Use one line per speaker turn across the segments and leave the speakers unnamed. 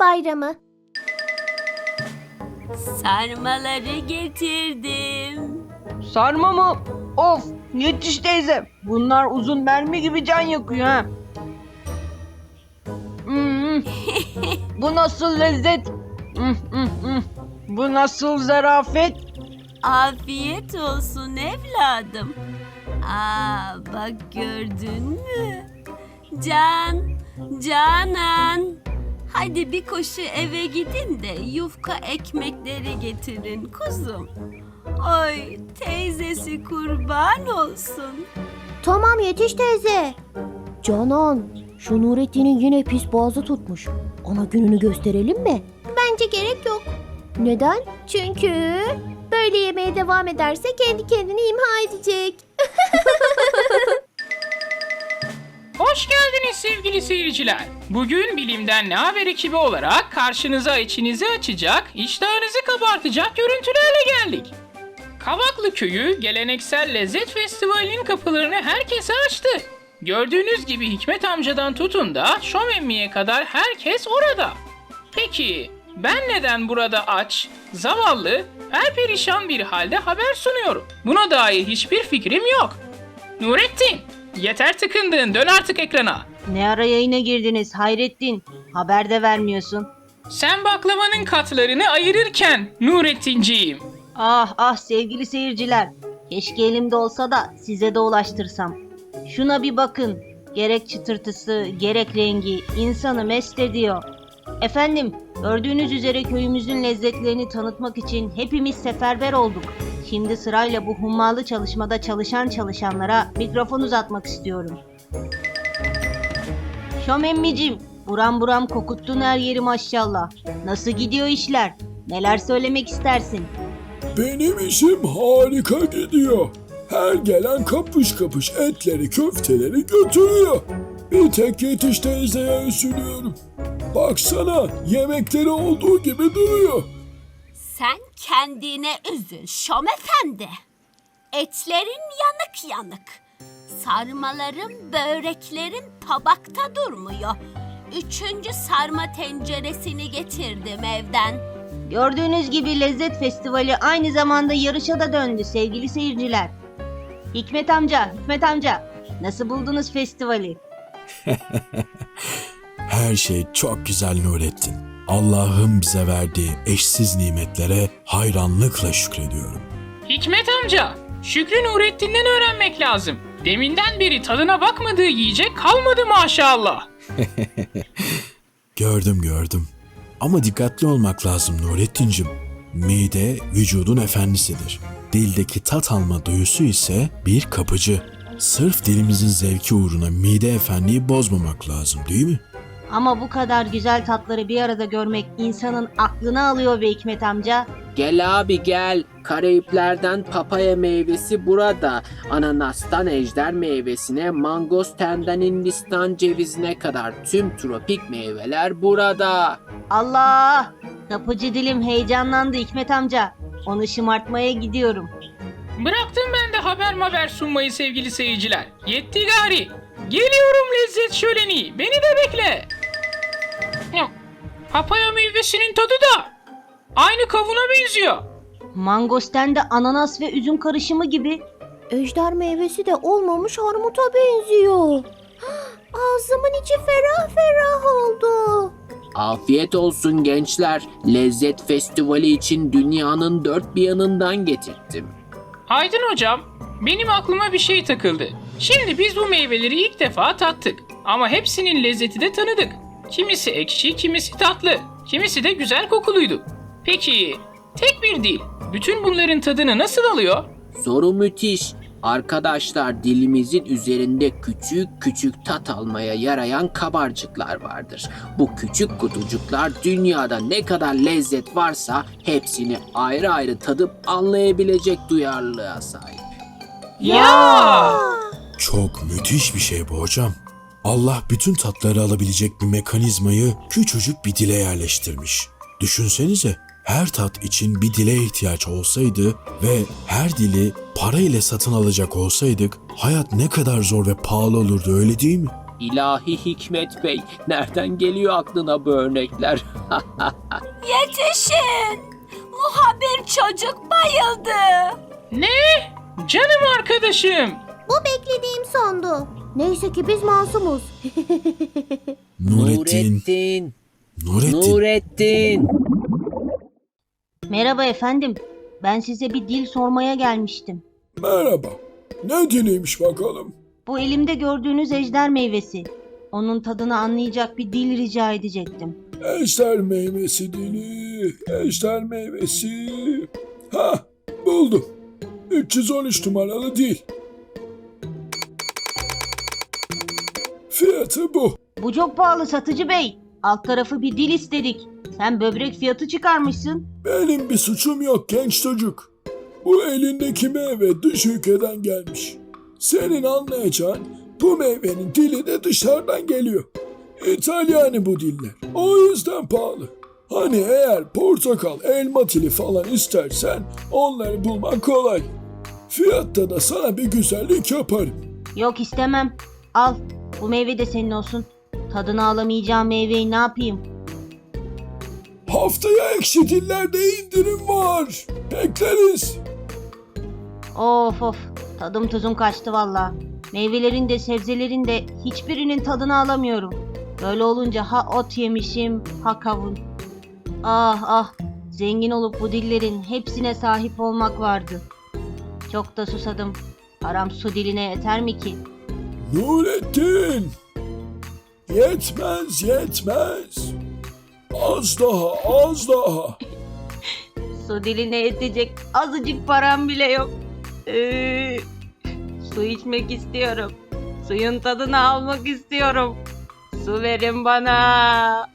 bayramı.
Sarmaları getirdim.
Sarma mı? Of, yetiş teyze. Bunlar uzun mermi gibi can yakıyor ha. Hmm. Bu nasıl lezzet? Bu nasıl zarafet?
Afiyet olsun evladım. Bak gördün mü? Canan. Hadi bir koşu eve gidin de yufka ekmekleri getirin kuzum. Oy teyzesi kurban olsun.
Tamam yetiş teyze. Canan, şu Nurettin'in yine pis boğazı tutmuş. Ona gününü gösterelim mi? Bence gerek yok. Neden? Çünkü böyle yemeye devam ederse kendi kendini imha edecek.
Hoş geldiniz sevgili seyirciler. Bugün Bilimden Ne Haber ekibi olarak karşınıza içinizi açacak, iştahınızı kabartacak görüntülerle geldik. Kavaklı Köyü geleneksel lezzet festivalinin kapılarını herkese açtı. Gördüğünüz gibi Hikmet amcadan tutun da Şom emmiye kadar herkes orada. Peki ben neden burada aç, zavallı, perperişan bir halde haber sunuyorum? Buna dair hiçbir fikrim yok. Nurettin, yeter tıkındın, dön artık ekrana.
Ne ara yayına girdiniz Hayrettin? Haber de vermiyorsun.
Sen baklavanın katlarını ayırırken Nurettinciğim.
Ah sevgili seyirciler. Keşke elimde olsa da size de ulaştırsam. Şuna bir bakın. Gerek çıtırtısı, gerek rengi insanı mest ediyor. Efendim, gördüğünüz üzere köyümüzün lezzetlerini tanıtmak için hepimiz seferber olduk. Şimdi sırayla bu hummalı çalışmada çalışanlara mikrofon uzatmak istiyorum. Şom emmicim, buram kokuttun her yeri maşallah. Nasıl gidiyor işler? Neler söylemek istersin?
Benim işim harika gidiyor. Her gelen kapış kapış etleri, köfteleri götürüyor. Bir tek Yetiş teyzeye üzülüyorum. Baksana, yemekleri olduğu gibi duruyor.
Sen kendine üzül Şom efendi. Etlerin yanık. Sarmaların, böreklerin tabakta durmuyor. 3. sarma tenceresini getirdim evden.
Gördüğünüz gibi Lezzet Festivali aynı zamanda yarışa da döndü sevgili seyirciler. Hikmet amca, nasıl buldunuz festivali?
Her şey çok güzel Nurettin. Allah'ın bize verdiği eşsiz nimetlere hayranlıkla şükrediyorum.
Hikmet amca, Şükrü Nurettin'den öğrenmek lazım. Deminden beri tadına bakmadığı yiyecek kalmadı maşallah.
Gördüm. Ama dikkatli olmak lazım Nurettincim. Mide vücudun efendisidir. Dildeki tat alma duyusu ise bir kapıcı. Sırf dilimizin zevki uğruna mide efendiyi bozmamak lazım değil mi?
Ama bu kadar güzel tatları bir arada görmek insanın aklını alıyor be Hikmet amca.
Gel abi gel. Karayiplerden papaya meyvesi burada. Ananastan ejder meyvesine, mangostenden Hindistan cevizine kadar tüm tropik meyveler burada.
Allah! Kapıcı dilim heyecanlandı Hikmet amca. Onu şımartmaya gidiyorum.
Bıraktım ben de haber sunmayı sevgili seyirciler. Yetti gari. Geliyorum lezzet şöleni. Beni de bekle. Papaya meyvesinin tadı da aynı kavuna benziyor.
Mangosten de ananas ve üzüm karışımı gibi.
Ejder meyvesi de olmamış armuta benziyor. Ağzımın içi ferah oldu.
Afiyet olsun gençler. Lezzet festivali için dünyanın dört bir yanından getirdim.
Aydın hocam, benim aklıma bir şey takıldı. Şimdi biz bu meyveleri ilk defa tattık. Ama hepsinin lezzeti de tanıdık. Kimisi ekşi, kimisi tatlı, kimisi de güzel kokuluydu. Peki, tek bir dil, bütün bunların tadını nasıl alıyor?
Soru müthiş. Arkadaşlar dilimizin üzerinde küçük tat almaya yarayan kabarcıklar vardır. Bu küçük kutucuklar dünyada ne kadar lezzet varsa hepsini ayrı ayrı tadıp anlayabilecek duyarlılığa sahip.
Ya!
Çok müthiş bir şey bu hocam. Allah bütün tatları alabilecek bir mekanizmayı küçücük bir dile yerleştirmiş. Düşünsenize, her tat için bir dile ihtiyaç olsaydı ve her dili para ile satın alacak olsaydık hayat ne kadar zor ve pahalı olurdu öyle değil mi?
İlahi Hikmet Bey, nereden geliyor aklına bu örnekler?
Yetişin! Muhabir çocuk bayıldı.
Ne? Canım arkadaşım.
Bu beklediğim sondu. Neyse ki biz masumuz.
Nurettin. Nurettin.
Merhaba efendim. Ben size bir dil sormaya gelmiştim.
Merhaba. Ne diliymiş bakalım?
Bu elimde gördüğünüz ejder meyvesi. Onun tadını anlayacak bir dil rica edecektim.
Ejder meyvesi dili, ejder meyvesi. Ha, buldum. 313 numaralı dil. Fiyatı bu.
Bu çok pahalı satıcı bey. Alt tarafı bir dil istedik. Sen böbrek fiyatı çıkarmışsın.
Benim bir suçum yok genç çocuk. Bu elindeki meyve dış ülkeden gelmiş. Senin anlayacağın bu meyvenin dili de dışarıdan geliyor. İtalyani bu diller. O yüzden pahalı. Hani eğer portakal, elma dili falan istersen onları bulmak kolay. Fiyatta da sana bir güzellik yaparım.
Yok istemem. Al. Bu meyve de senin olsun. Tadını alamayacağım meyveyi ne yapayım?
Haftaya ekşi dillerde indirim var. Bekleriz.
Of of. Tadım tuzum kaçtı valla. Meyvelerin de sebzelerin de hiçbirinin tadını alamıyorum. Böyle olunca ha ot yemişim ha kavun. Ah ah. Zengin olup bu dillerin hepsine sahip olmak vardı. Çok da susadım. Param su diline yeter mi ki?
Nurettin. Yetmez yetmez. Az daha az daha.
Su diline yetecek azıcık param bile yok. Su içmek istiyorum. Suyun tadını almak istiyorum. Su verin bana.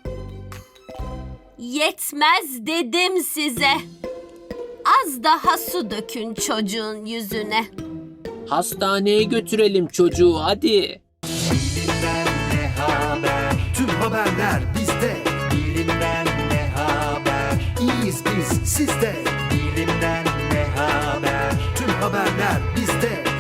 Yetmez dedim size. Az daha su dökün çocuğun yüzüne.
Hastaneye götürelim çocuğu hadi.
Bilimden ne haber? Tüm haberler bizde. Bilimden ne haber? İyiyiz biz sizde. Bilimden ne haber? Tüm haberler bizde.